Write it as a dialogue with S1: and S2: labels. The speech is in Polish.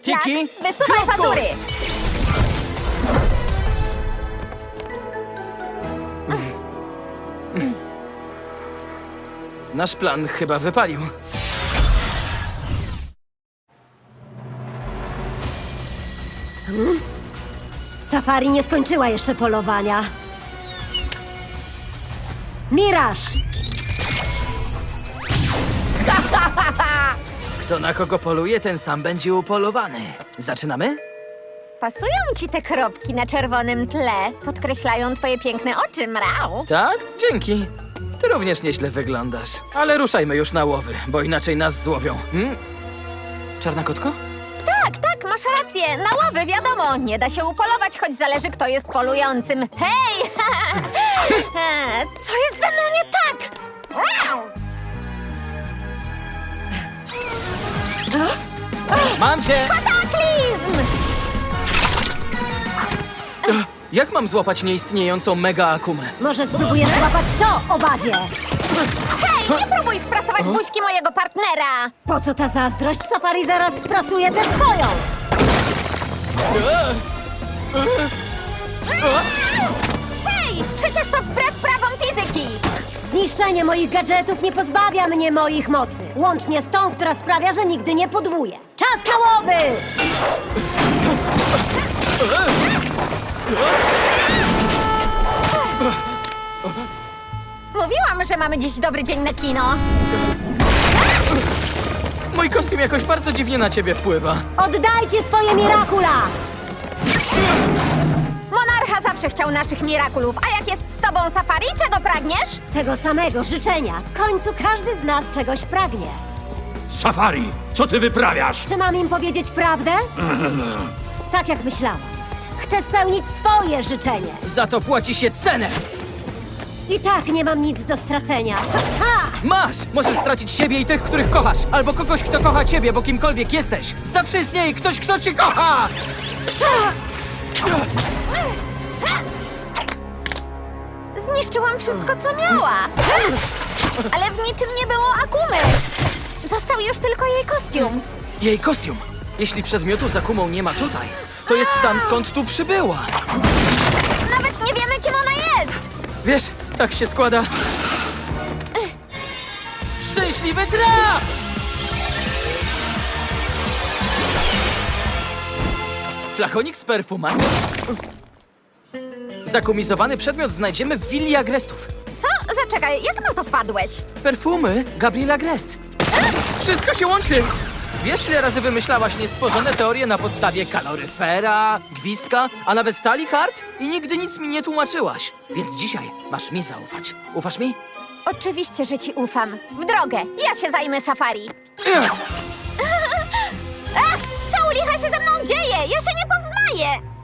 S1: Kiki,
S2: Wysuwaj
S1: kroku!
S2: pazury!
S1: Nasz plan chyba wypalił.
S3: Safari nie skończyła jeszcze polowania. Miraż!
S1: Kto na kogo poluje, ten sam będzie upolowany. Zaczynamy?
S2: Pasują ci te kropki na czerwonym tle. Podkreślają twoje piękne oczy, mrał.
S1: Tak? Dzięki. Ty również nieźle wyglądasz. Ale ruszajmy już na łowy, bo inaczej nas złowią. Czarna kotko?
S2: Tak, masz rację. Na łowy, wiadomo. Nie da się upolować, choć zależy, kto jest polującym. Hej! Co jest ze mną nie tak?
S1: Mam cię!
S2: Kataklizm!
S1: Jak mam złapać nieistniejącą mega akumę?
S3: Może spróbujesz złapać to, owadzie!
S2: Hej, nie próbuj sprasować buźki mojego partnera!
S3: Po co ta zazdrość? Safari zaraz sprasuje tę swoją!
S2: Hej, przecież to wbrew prawom fizyki!
S3: Zniszczenie moich gadżetów nie pozbawia mnie moich mocy. Łącznie z tą, która sprawia, że nigdy nie pudłuję. Czas na łowy!
S2: Mówiłam, że mamy dziś dobry dzień na kino.
S1: Mój kostium jakoś bardzo dziwnie na ciebie wpływa.
S3: Oddajcie swoje Mirakula!
S2: Monarcha zawsze chciał naszych mirakulów, a jak jest z tobą Safari, czego pragniesz?
S3: Tego samego życzenia. W końcu każdy z nas czegoś pragnie.
S4: Safari, co ty wyprawiasz?
S3: Czy mam im powiedzieć prawdę? Tak jak myślałam. Chcę spełnić swoje życzenie.
S1: Za to płaci się cenę!
S3: I tak nie mam nic do stracenia. Ha!
S1: Masz! Możesz stracić siebie i tych, których kochasz, albo kogoś, kto kocha ciebie, bo kimkolwiek jesteś. Zawsze istnieje ktoś, kto cię kocha!
S2: Zniszczyłam wszystko, co miała. Ale w niczym nie było Akumy. Został już tylko jej kostium.
S1: Jej kostium. Jeśli przedmiotu z akumą nie ma tutaj, to jest tam, skąd tu przybyła.
S2: Nawet nie wiemy, kim ona jest.
S1: Wiesz, tak się składa. Szczęśliwy traf! Flakonik z perfumami. Zakumizowany przedmiot znajdziemy w willi agrestów.
S2: Co? Zaczekaj, jak na to wpadłeś?
S1: Perfumy Gabriela Grest. Wszystko się łączy! Wiesz, ile razy wymyślałaś niestworzone teorie na podstawie kaloryfera, gwizdka, a nawet talii kart? I nigdy nic mi nie tłumaczyłaś. Więc dzisiaj masz mi zaufać. Ufasz mi?
S2: Oczywiście, że ci ufam. W drogę, ja się zajmę Safari. Co u licha się ze mną dzieje? Ja się nie poznaję.